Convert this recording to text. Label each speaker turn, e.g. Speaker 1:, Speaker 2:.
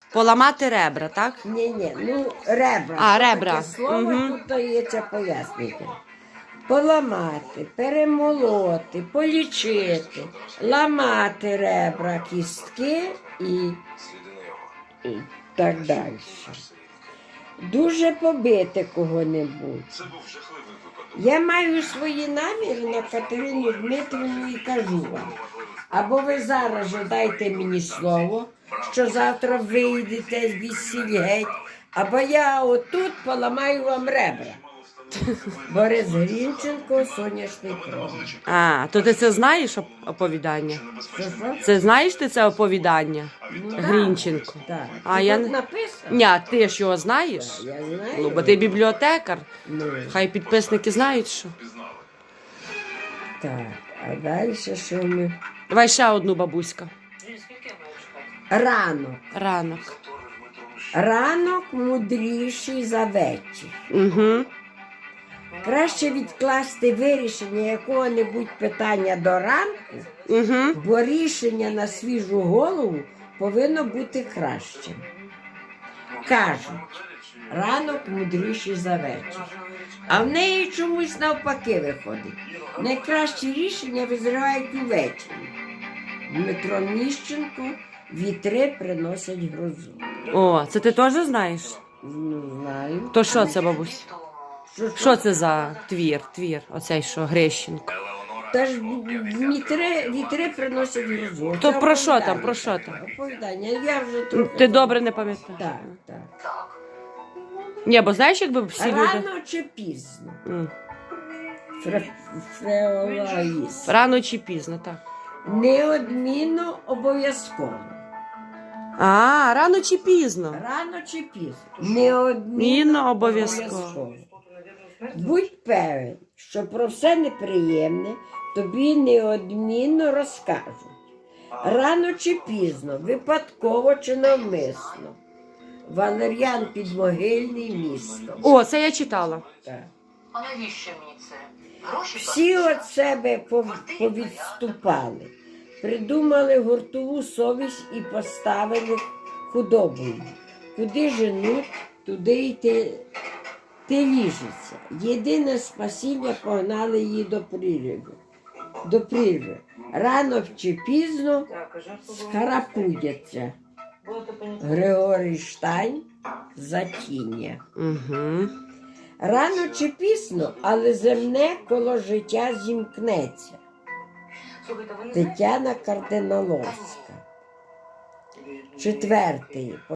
Speaker 1: Поламати ребра, так?
Speaker 2: Ні, ну ребра.
Speaker 1: А,
Speaker 2: Що
Speaker 1: ребра.
Speaker 2: таке слово,
Speaker 1: Мгм.
Speaker 2: тут дається пояснити. Поламати, перемолоти, полічити, ламати ребра, кістки і так далі. Дуже побити кого-небудь. Я маю свої наміри на Катерину Дмитрівну і кажу вам. Або ви зараз же дайте мені слово, що завтра вийдете звідсіль геть, або я отут поламаю вам ребра. Борис Грінченко, «Соняшний промінь».
Speaker 1: А, то ти це знаєш оповідання?
Speaker 2: Що?
Speaker 1: Це знаєш ти це оповідання?
Speaker 2: Ну,
Speaker 1: Грінченко.
Speaker 2: Так.
Speaker 1: А
Speaker 2: Тут
Speaker 1: я
Speaker 2: написано?
Speaker 1: Ні, а ти ж його знаєш?
Speaker 2: Я знаю.
Speaker 1: Ну, бо ти бібліотекар.
Speaker 2: Ну,
Speaker 1: Хай підписники знають, що.
Speaker 2: так, а далі що ми?
Speaker 1: Давай ще одну, бабуська.
Speaker 2: Ранок.
Speaker 1: Ранок.
Speaker 2: Ранок мудріший за вечір.
Speaker 1: Угу.
Speaker 2: Краще відкласти вирішення якого-небудь питання до ранку,
Speaker 1: Угу.
Speaker 2: бо рішення на свіжу голову повинно бути кращим. Кажуть, ранок мудріший за вечір. А в неї чомусь навпаки виходить. Найкращі рішення визрівають увечері. Дмитро Міщенко, вітри приносять грозу.
Speaker 1: О, це ти теж знаєш?
Speaker 2: Не знаю.
Speaker 1: То що це, бабусь?
Speaker 2: Що?
Speaker 1: Що це за твір? Оцей що, Грещенко.
Speaker 2: Та ж вітри приносять грозу.
Speaker 1: То
Speaker 2: Це
Speaker 1: про що там,
Speaker 2: оповідання
Speaker 1: про що там?
Speaker 2: таке, Оповідання. Я вже трохи...
Speaker 1: Ти добре не пам'ятаєш?
Speaker 2: Так.
Speaker 1: Ні, бо знаєш, якби всі люди...
Speaker 2: Рано чи пізно?
Speaker 1: М.
Speaker 2: Фреолаїс.
Speaker 1: Рано чи пізно, так.
Speaker 2: Неодмінно обов'язково.
Speaker 1: А, рано чи пізно.
Speaker 2: Рано чи пізно? Неодмінно
Speaker 1: Мінно обов'язково.
Speaker 2: Будь певен, що про все неприємне тобі неодмінно розкажуть. Рано чи пізно, випадково чи навмисно. Валер'ян Підмогильний, місто.
Speaker 1: О, це я читала.
Speaker 2: Так.
Speaker 3: А навіщо мені це? Гроші
Speaker 2: Всі від себе повідступали, придумали гуртову совість і поставили худобою. Куди женуть, туди й ти ліжеться. Єдине спасіння погнали її до прірви. Рано чи пізно скарапудяться. Григорій Штайн, Затіння.
Speaker 1: Угу.
Speaker 2: Рано чи пізно, але земне коло життя зімкнеться. Тетяна Кардиналовська. 4.